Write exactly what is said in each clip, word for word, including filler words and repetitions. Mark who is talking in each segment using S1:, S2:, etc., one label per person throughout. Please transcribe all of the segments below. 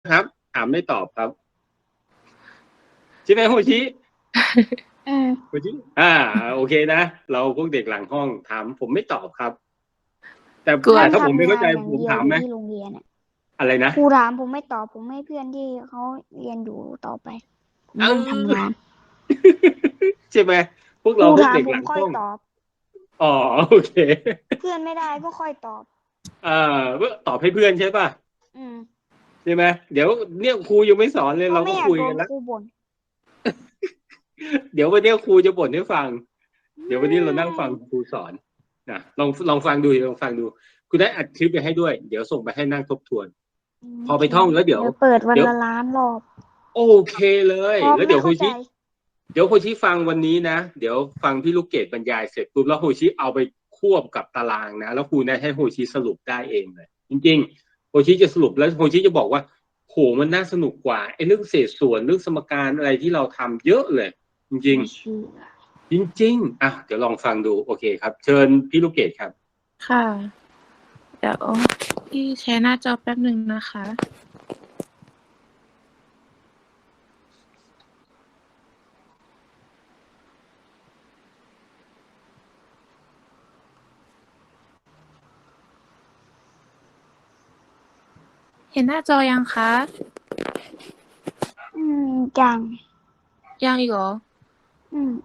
S1: ครับถามไม่ตอบครับใช่ไหมโฮชิ
S2: อืม
S1: โฮชิอ่าโอเคนะเราพวกเด็กหลังห้องถามผมไม่ตอบครับแต่
S3: กลัว
S1: แต่ถ้าผมไม่
S2: นั่งทำ
S1: เข้าใจ
S2: งานอย่าง
S1: ผมถามไหม
S2: เดียวอยู่ที่โรงเรียนอ่ะ
S1: อะไรนะ
S2: ครูถามผมไม่ตอบผมให้เพื่อนที่เขาเรียนอยู่ต่อไปผม
S1: เอ
S2: นั่งทำ
S1: อ
S2: งาน
S1: ใช่ไหมพวก
S2: ครู
S1: เราพวกเด็ก
S2: ถามผม
S1: หลังห้อง
S2: ค่อยตอบ
S1: อ๋อโอเค
S2: เพื่อนไม่ได้ก็ค่อยตอบ
S1: อ่าตอบให้เพื่อนใช่ป่ะ
S2: อืม
S1: ใช่ไหมเดี๋ยวเนี่ยครูยังไม่สอนเลย
S2: เพราะ
S1: เราก็
S2: ไม่อยากโดน
S1: คุยกันแล้ว
S2: ครูบ่น
S1: เดี๋ยววันนี้ครูจะบ่นให้ฟังเดี๋ยววันนี้เรานั่งฟัง
S2: ไม่
S1: ครูสอนนะลองลองฟังดูลองฟังดูคุณได้อัดคลิปไปให้ด้วยเดี๋ยวส่งไปให้นั่งทบทวนพอไปท่องแล้วเดี๋ยว
S2: เดี๋ยวเปิดวัน
S1: เดี๋ยว
S2: ละล้านรอบ
S1: โอเคเลย
S2: เพราะ
S1: แล้วเดี๋ยวโฮ
S2: ไม่เข้าใจ
S1: ชิเดี๋ยวโฮชิฟังวันนี้นะเดี๋ยวฟังพี่ลูกเกดบรรยายเสร็จปุ๊บแล้วโฮชิเอาไปควบกับตารางนะแล้วครูนะให้โฮชิสรุปได้เองเลยจริงๆโฮชิจะสรุปแล้วโฮชิจะบอกว่าโหมันน่าสนุกกว่าไอ้เรื่องเศษส่วนเรื่องสมการอะไรที่เราทำเยอะเลยจริง
S2: ไม่เชื่อ
S1: จริงๆอ่ะเดี๋ยวลองฟังดูโอเคครับเชิญพี่ลูกเกดครับ
S3: ค่ะเดี๋ยวพี่แชร์หน้าจอแป๊บหนึ่งนะคะ เห็นหน้าจอยังคะ
S2: อืมจัง
S3: ยังอีกเหรอ
S2: อืม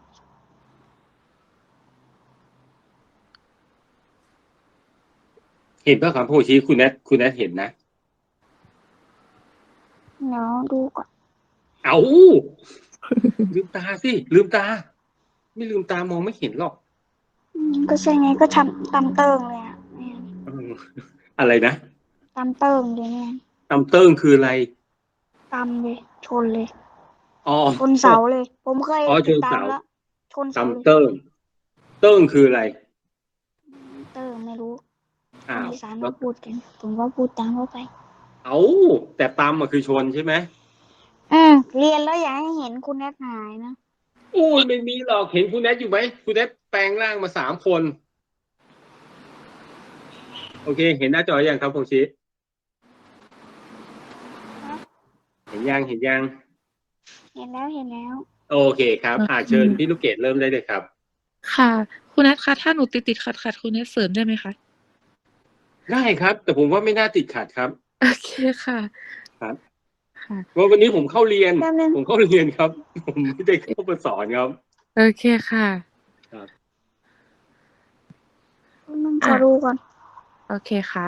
S1: เห็นป่ะครับโฮชิคุณแนทคุณแนทเห็นนะ
S2: เดี๋ยวดูก่อน
S1: เอาลืมตาสิลืมตาไม่ลืมตามองไม่เห็นหรอก
S2: อืมก็ใช่ไงก็ทำตำเติงเลยอ่ะเนี่ย
S1: เอออะไรนะ
S2: ตำเติงเลยเนี่ย
S1: ตำเติ้งคืออะไร
S2: ตำเลยชนเลย
S1: อ๋อ
S2: ชนเสาเลยผมเคย
S1: อ๋อช
S2: ติด
S1: นเสา
S2: ตามแล้วชนเสาเลย
S1: ตำเติ้งเติ้งคืออะไร
S2: เติงไม่รู้ค
S1: อ้า
S2: น
S1: ว
S2: อีสาน
S1: แล้ว
S2: เขาพูดกันผมก็พูดตามเขาไป
S1: เอาแต่ตำมันคือชนใช่ไหม
S2: อืมเรียนแล้วอย่าให้เห็นคุณแอดหายนะ
S1: อู้ยไม่มีหรอกเห็นคุณแนทอยู่ไหมคุณแนทแปลงร่างมาสามคนโอเคเห็นหน้าจอยังครับโฮชิเห็นยังเห็นยัง
S2: เห็นแล้วเห็นแล้ว
S1: โอเคครับอ่า
S3: โอเค
S1: เชิญพี่ลูกเกดเริ่มได้เลยครับ
S3: ค่ะ คุณนัทคะถ้าหนูติดติดขัดขัดคุณนัทเสริมได้ไหมคะ
S1: ได้ครับ แต่ผมว่าไม่น่าติดขัดครับ
S3: โอเคค่ะ
S1: ครับ
S3: ค่ะ
S1: เพราะวันนี้ผมเข้าเรียน
S2: แป๊บนึง
S1: ผมเข้าเรียนครับ ผมไม่ได้เข้ามาสอนครับ
S3: โอเคค่ะ
S1: ครับ
S2: มึงขอดูก่อน
S3: โอเคครับ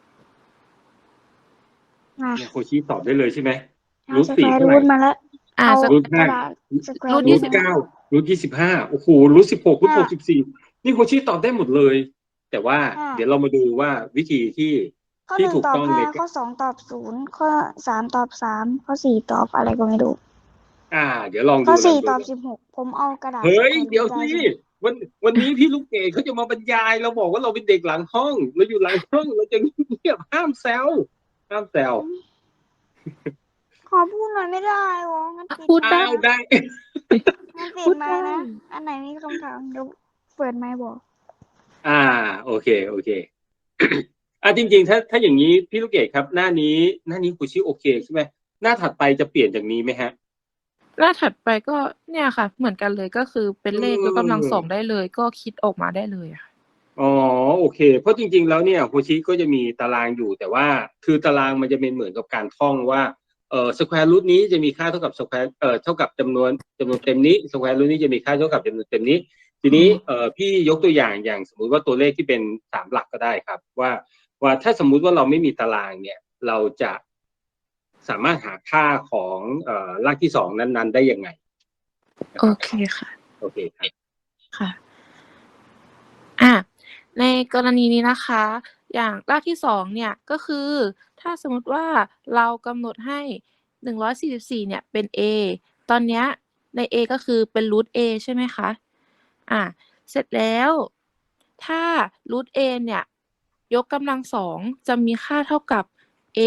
S2: อ่ะ
S1: เนี่ยโคชิตอบได้เลยใช่ไหม
S2: เอา
S1: รูท
S2: สแคว
S1: สี่
S2: ร์
S1: เท่าไหร่
S2: รูทมาแล้ว
S3: อ่า
S2: เอา
S1: รูท
S2: ก
S1: ห้า
S2: ระดาษสแคว
S3: รู
S2: ร์
S3: ท
S2: รู
S1: รู
S3: ยี่
S2: ท
S3: สิบ
S1: ทเก้ารูทยี่สิบห้าโอ้โหรูทสิบหกรูทหกสิบสี่นี่โคชิตอบได้หมดเลย แต่ว่า
S2: อ่ะ
S1: เดี๋ยวเรามาดูว่าวิธีที่
S2: ข้อห
S1: ที่
S2: นึ่ง
S1: ถูก
S2: ตอ
S1: ต้
S2: บ
S1: อง
S2: ห้า
S1: ใน
S2: ข้อสองตอบศูนย์ข้อสามตอบสามข้อสี่ตอบอะไรก็ไม่รู้
S1: อ่า เดี๋ยวลอง
S2: ข้
S1: ดู
S2: อ
S1: ลอ
S2: สี่
S1: งดู
S2: ตอบสิบหกผมเอากระดาษส
S1: เฮ้ย
S2: แควร์ รู
S1: เดี๋ยว
S2: ทได้
S1: สิ
S2: ใช่ไหม
S1: วันวันนี้พี่ลูกเกดเขาจะมาบรรยายเราบอกว่าเราเป็นเด็กหลังห้องเราอยู่หลังห้องเราจะเงียบห้ามแซวห้ามแซว
S2: ขอพูดหน่อยไม่ได้หรองั้นปิด
S3: พูด
S2: ไม
S3: ได้
S2: ค์นะ
S1: ได้
S2: งั้นปิ
S3: พู
S2: ด
S3: ด
S2: ไม
S3: ได้
S2: ค์นะ อันไหนมีคำถามเดี๋ยวเปิดไมค์บอก
S1: อ่าโอเคโอเค อ่าจริงๆถ้าถ้าอย่างนี้พี่ลูกเกดครับ หน้านี้หน้านี้ครูชิโอเคใช่ไหมหน้าถัดไปจะเปลี่ยนจากนี้ไหมฮะ
S3: หน้าถัดไปก็เนี่ยค่ะ เหมือนกันเลยก็คือเป็นเลขยกกำลังสอง
S1: เออ
S3: ได้เลย ก็คิดออกมาได้เลยอะค่ะ
S1: อ๋อโอเค เพราะจริงๆแล้วเนี่ยครูชิก็จะมีตารางอยู่แต่ว่าคือตารางมันจะเป็นเหมือนกับการท่องว่าเอ่อสแควร์รูทนี้จะมีค่าเท่ากับสแควร์เอ่อเท่ากับจำนวนจำนวนเต็มนี้สแควร์รูทนี้จะมีค่าเท่ากับจำนวนเต็มนี้ ทีนี้เอ่อพี่ยกตัวอย่างอย่างสมมุติว่าตัวเลขที่เป็นสามหลักก็ได้ครับว่าว่าถ้าสมมุติว่าเราไม่มีตารางเนี่ยเราจะสามารถหาค่าของเอ่อรากที่สองนั้นๆได้ยังไงนะ
S3: โอ
S1: ครับ
S3: เคค่ะ
S1: โอเคครับ
S3: ค่ะ อ่ะ ในกรณีนี้นะคะ อย่างรากที่สองเนี่ยก็คือ ถ้าสมมุติว่าเรากำหนดให้หนึ่งร้อยสี่สิบสี่เนี่ยเป็น a ตอนเนี้ยใน a ก็คือเป็น root a ใช่ไหมคะ อ่ะ เสร็จแล้ว ถ้า root a เนี่ยยกกำลังสองจะมีค่าเท่ากับ a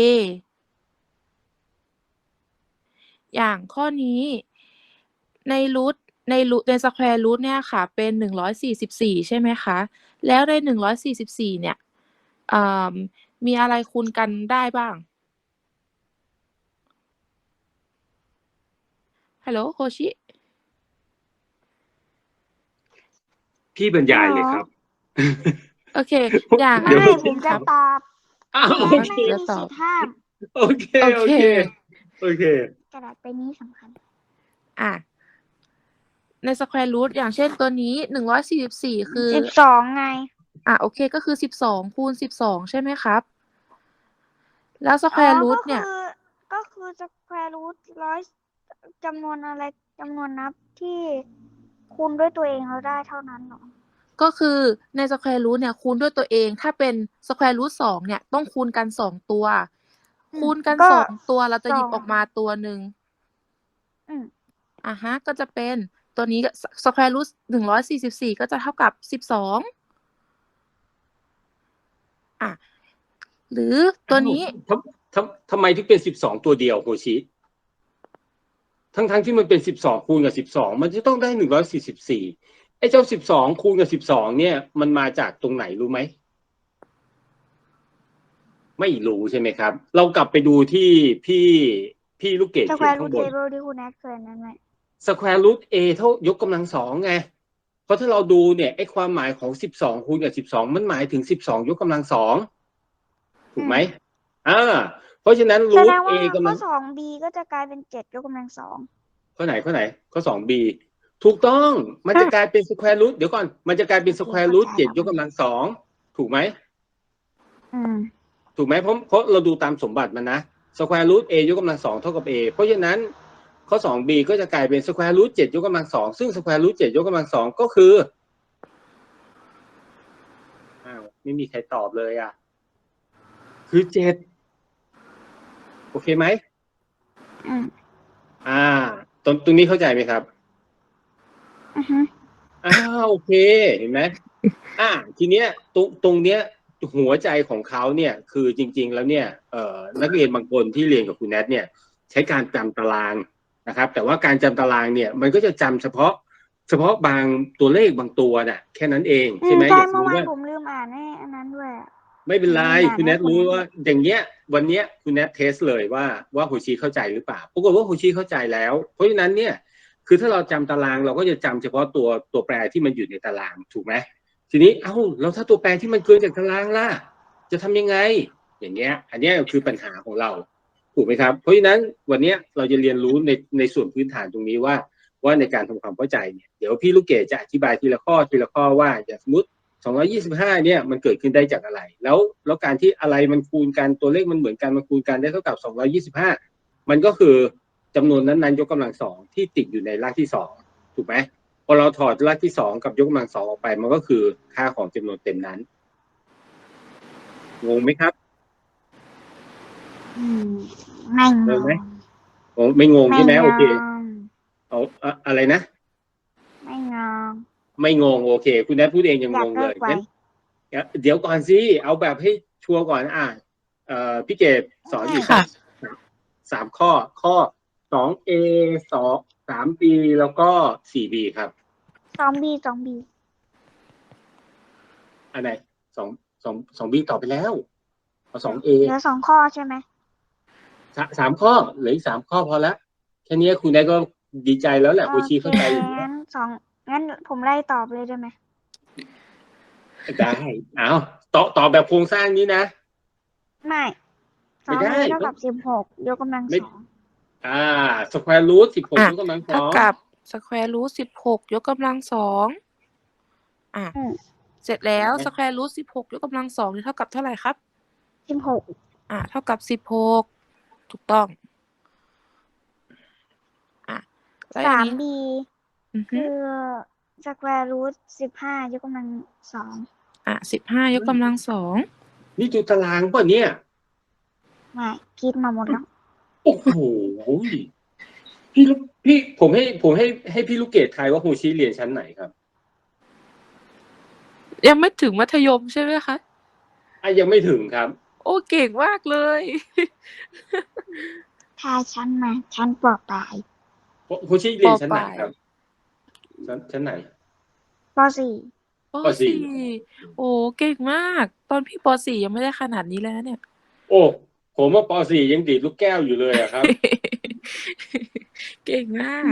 S3: อย่างข้อนี้ใน root ใน root ใน square root เนี่ยค่ะเป็นหนึ่งร้อยสี่สิบสี่ใช่ไหมคะแล้วในหนึ่งร้อยสี่สิบสี่เนี่ยเอ่อมีอะไรคูณกันได้บ้างฮัลโหลโฮชิ
S1: พี่บรรยายเลยครับ
S3: โอเค อย่าง
S1: เดี๋
S2: ไม่
S1: ยว
S2: ผมจะตอบ
S1: อ้าว
S2: และ
S1: โอ
S2: ไม่
S1: เค
S2: มี
S3: จะต
S2: สิ
S3: อบ
S2: ทธิ์ห้าม
S1: โอเค
S3: โอ
S1: โอ
S3: เค
S1: เค โอเค
S2: กระดาษใบนี้สำคัญ
S3: อ่ะ ใน square root อย่างเช่นตัวนี้ หนึ่งร้อยสี่สิบสี่ คือ
S2: สิบสอง ไง
S3: อ่ะ โอเค ก็คือ สิบสอง คูณ สิบสอง ใช่ไหมครับ แล้ว
S2: อ๋อ
S3: square
S2: ก็
S3: root
S2: คื
S3: เนี่ย
S2: อ ก็คือ square root ร้อย จำนวนอะไร จำนวนนับที่คูณด้วยตัวเองแล้วได้เท่านั้นเหรอ?
S3: ก็คือใน square root เนี่ย คูณด้วยตัวเอง ถ้าเป็น square root สอง เนี่ย ต้องคูณกัน สอง ตัว
S2: อื
S3: คูณกัน
S2: ก็
S3: สอง ตัว เราจะ
S2: ส
S3: หยิ
S2: อบ ง
S3: ออกมาตัวหนึ่ง
S2: อืม
S3: อะฮะ ก็จะเป็นตัวนี้ ส square root หนึ่งร้อยสี่สิบสี่ ก็จะเท่ากับ สิบสอง อ่า หรือตั
S1: อ้าว
S3: วนี้
S1: ทำ ทำ ทำไมถึงเป็น สิบสอง ตัวเดียวโฮชิ? ทั้ง ๆ ที่มันเป็น สิบสอง คูณกับ สิบสอง มันจะต้องได้ หนึ่งร้อยสี่สิบสี่ ไอ้เจ้า สิบสอง คูณกับ สิบสอง เนี่ย มันมาจากตรงไหนรู้ไหม? ไม่รู้ใช่ไหมครับ เรากลับไปดูที่พี่ พี่ลูกเกดเขียน
S2: square
S1: ข้าง
S2: root
S1: บน
S2: table ที่คุณแอดเคยนั่นแหละ
S1: square root a เท่ายกกำลัง สอง ไง เพราะถ้าเราดูเนี่ย ไอ้ความหมายของ สิบสอง คูณกับ สิบสอง มันหมายถึง สิบสอง ยกกำลัง สอง ถู
S2: อื
S1: กไหม?
S2: ม
S1: อา เพราะฉะนั้น
S2: แสด
S1: root
S2: งว่า
S1: a กำ
S2: ข้
S1: ลั
S2: อ
S1: ง
S2: สอง บี ก็จะกลายเป็น เจ็ด ยกกำลัง สอง
S1: ข้อไหน ข้อไหน? ข้อ สอง บี ถูกต้อง มันจะ
S3: ค่ะ
S1: กลายเป็น square root เดี๋ยวก่อน มันจะกลายเป็น
S2: โอเค
S1: square
S2: เข้า
S1: root
S2: ใจ
S1: เจ็ด
S2: แล้ว
S1: ยกกำลัง สอง ถูกไหม?
S2: อืม
S1: ถูกไหม? เพราะ เพราะเราดูตามสมบัติมันนะ square root a ยกกำลัง สอง เท่ากับ a เพราะฉะนั้น ข้อ สอง บี ก็จะกลายเป็น square root เจ็ด ยกกำลัง สอง ซึ่ง square root เจ็ด ยกกำลัง สอง ก็คือ อ้าว ไม่มีใครตอบเลยอะ คือ เจ็ด โอเคไหม?
S2: อืม
S1: อา ตรง ตรงนี้เข้าใจไหมครับ?
S2: อือฮึ
S1: อา โอเค เห็นไหม? อา ทีเนี้ย ตรง ตรงเนี้ย หัวใจของเขาเนี่ย คือจริง ๆ แล้วเนี่ย เอ่อ นักเรียนบางคนที่เรียนกับคุณแนทเนี่ย ใช้การจำตารางนะครับ แต่ว่าการจำตารางเนี่ย มันก็จะจำเฉพาะ เฉพาะบางตัวเลขบางตัวน่ะ แค่นั้นเอง
S2: อื
S1: ใช่
S2: ม
S1: ไหม?
S2: ใช่
S1: อย่างส
S2: เมื่
S1: ม
S2: อ
S1: มุต
S2: วิาน
S1: ว่า
S2: ผมลืมอ่านให้อันนั้นด้วยอะ
S1: ไม่เป็นไร
S2: ผมลืมอ่าน
S1: คุณ
S2: ให
S1: แน้ท
S2: คุณ
S1: รู้
S2: แนท
S1: ว่า อย่างเงี้ย วันเนี้ยคุณแนทเทสต์เลยว่า ว่าโฮชิเข้าใจหรือเปล่า ปรากฏว่าโฮชิเข้าใจแล้ว เพราะฉะนั้นเนี่ย คือถ้าเราจำตาราง เราก็จะจำเฉพาะตัว ตัวแปรที่มันอยู่ในตาราง ถูกไหม? ทีนี้ อ้าว แล้วถ้าตัวแปรที่มันเกินจากตารางล่ะ จะทำยังไง? อย่างเงี้ย อันเนี้ยคือปัญหาของเรา ถูกไหมครับ? เพราะฉะนั้นวันเนี้ยเราจะเรียนรู้ใน ในส่วนพื้นฐานตรงนี้ว่า ว่าในการทำความเข้าใจเนี่ย เดี๋ยวพี่ลูกเกดจะอธิบายทีละข้อ ทีละข้อว่า อย่างสมมุติ สองร้อยยี่สิบห้า เนี่ย มันเกิดขึ้นได้จากอะไร? แล้ว แล้วการที่อะไรมันคูณกัน ตัวเลขมันเหมือนกัน มันคูณกันได้เท่ากับ สองร้อยยี่สิบห้า มันก็คือจำนวนนั้น ๆ ยกกำลัง สอง ที่ติดอยู่ในรากที่ สอง ถูกไหม? พอเราถอดรากที่ สอง กับยกกำลัง สอง ออกไป มันก็คือค่าของจำนวนเต็มนั้น งงไหมครับ?
S2: อืม ไม่ง
S1: งงไหม?
S2: ง
S1: อ๋อ ไม่งง
S2: ไม่
S1: ใช่ไหม?
S2: ง
S1: โอเค
S2: ง
S1: อ๋อ อะ อะไรนะ?
S2: ไม่งง
S1: ไม่งง โอเค คุณแนทพูดเองยัง
S2: อยาง ก
S1: ง
S2: เลิ
S1: เลย
S2: กไว
S1: งั้น เดี๋ยว เดี๋ยวก่อนสิ เอาแบบให้ชัวร์ก่อน อา เอ่อ พี่เกดสอนอยู่
S2: ไม่
S1: สาม สาม สาม ข้อ ข้อ สอง เอ สอง สาม บี แล้วก็ สี่ บี ครับ
S2: สอง บี สอง บี
S1: อันไหน? สอง สอง สอง บี ตอบไปแล้ว เอา สอง เอ
S2: เหลือ สอง ข้อใช่ไหม?
S1: สะ สาม ข้อ เหลืออีก สาม ข้อพอแล้ว แค่เนี้ยคุณแนทก็ดีใจแล้วแหละ
S2: โอ
S1: โฮชิ
S2: เค
S1: เข้าใจอยู่แล้
S2: งั้
S1: ว
S2: น สอง งั้นผมไล่ตอบเลยได้ไหม?
S1: ได้ อ้าว ตอบ ตอบแบบโครงสร้างนี้นะ
S2: ไม่ ส
S1: ไม่
S2: อง
S1: ได้
S2: เอ เท่า
S1: ต้
S2: ก
S1: อั
S2: บ
S1: ง
S2: สิบหก ยกกำลัง
S1: ไม่
S2: สอง
S1: อา square root สิบหก
S3: อะ
S1: ยกกำลัง ส
S3: เท่า
S1: อง
S3: กับ square root สิบหก ยกกำลัง สอง อา
S2: อืม
S3: เสร็จแล้ว
S1: อะฮะ
S3: square root สิบหก ยกกำลัง สอง นี่เท่ากับเท่าไรครับ?
S2: สิบหก
S3: อา เท่ากับ สิบหก ถูกต้อง อา แล้วอย่า
S2: สาง ม
S3: งี้
S2: บี
S3: อือฮ
S2: คึือ square root สิบห้า ยกกำลัง สอง
S3: อา สิบห้า ยกกำลัง สอง
S1: นี่ดูตารางเปล่าเนี่ย?
S2: ไม่ คิดมาหมดแล้ว
S1: โอ้โฮ พี่ลูก พี่ ผมให้ ผมให้ ให้พี่ลูกเกดทายว่าโฮชิเรียนชั้นไหนครับ?
S3: ยังไม่ถึงมัธยมใช่ไหมคะ?
S1: อา ยังไม่ถึงครับ
S3: โอ้ เก่งมากเลย
S2: ทายชั้นมา ชั้น ป.ปลาย
S1: โฮ โฮชิเรียนชั้นไหนครับ? ชั้น ชั้นไหน?
S2: ป. สี่
S3: ป.
S1: ป. สี่
S3: สี่ โอ้ เก่งมาก ตอนพี่ ป. สี่ ยังไม่ได้ขนาดนี้เลยนะเนี่ย
S1: โอ้ ผมอะ ป. สี่ ยังดีดลูกแก้วอยู่เลยอะครับ
S3: เเก่งมาก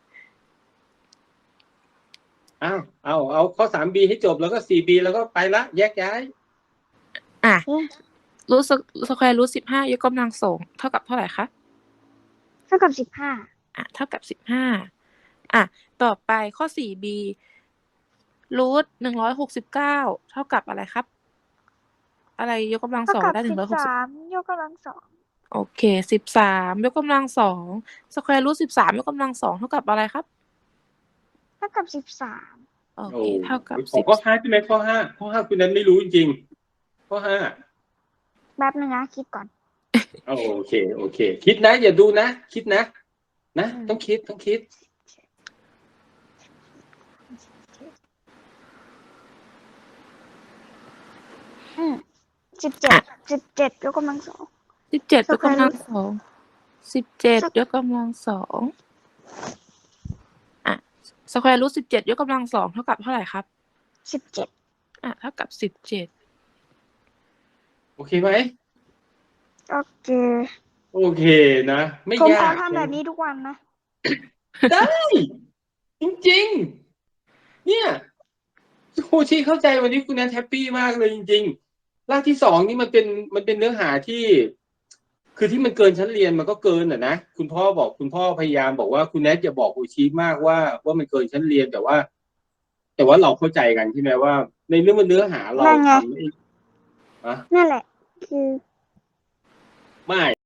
S1: อ้าวเอาเอาข้อสามบีให้จบแล้วก็สี่บีแล้วก็ไปละแยกย้าย
S3: อ่ะ
S2: เอ๊ะ
S3: รูทสแควร์รูทสิบห้ายกกำลังสองเท่ากับเท่าไหร่คะ
S2: เท่ากับสิบห้า
S3: อ่ะเท่ากับสิบห้าอ่ะต่อไปข้อสี่บีรูทหนึ่งร้อยหกสิบเก้าเท่ากับอะไรครับ อะไรยกกำลัง
S2: เท่า
S3: สอง
S2: กับ
S3: ได้ห
S2: สิ
S3: นึ่ง
S2: บ
S3: ร้อยหกสิบ
S2: สามยกกำลังสอง
S3: โอเคสิบสามยกกำลังสองสแควร์รูทสิบสามยกกำลังสองเท่ากับอะไรครับ
S2: เท่ากับสิบสาม
S3: โอ
S1: โอ้
S3: เคเท่ากับ
S1: ขอ
S3: สิบ
S1: ข้อห้าใช่ไหมข้อห้าข้อห้าคุณนั้นไม่รู้จริงๆข้อห้า
S2: แป๊บนึงนะคิดก่อน
S1: โอเคโอเค คิดนะ อย่าดูนะ คิดนะ นะ ต้องคิดต้องคิด
S2: อืมสิบเจ็ดสิบเจ็ดยกกำลังสอง
S3: สิบเจ็ดยกกำลัง
S2: Square root
S3: สองสิบเจ็ด
S2: Squ-
S3: ยกกำลังสองอ่ะสแควร์รูทสิบเจ็ดยกกำลังสองเท่ากับเท่าไหร่ครับ
S2: สิบเจ็ด
S3: อ่ะเท่ากับสิบเจ็ด
S1: โอเคไหม
S2: โอเค
S1: โอเคนะ ไม่
S2: ผม
S1: ยา
S2: ขอก ทำแบบนี้ทุกวันนะ
S1: ได้ จริงๆ เนี่ยโคชีเข้าใจวันนี้คุณแอนแฮปปี้มากเลยจริงๆรากที่สองนี่มันเป็นมันเป็นเนื้อหาที่ คือที่มันเกินชั้นเรียนมันก็เกินอ่ะนะคุณพ่อบอกคุณพ่อพยายามบอกว่าคุณแนทอย่าบอกโคชีมากว่าว่ามันเกินชั้นเรียนแต่ว่า แต่ว่าเราเข้าใจกันใช่ไหมว่า ในเรื่องมันเนื้อหาเรา
S2: นั่นไง
S1: ทำไม่
S2: นั่นแหละ คือ
S1: ไม่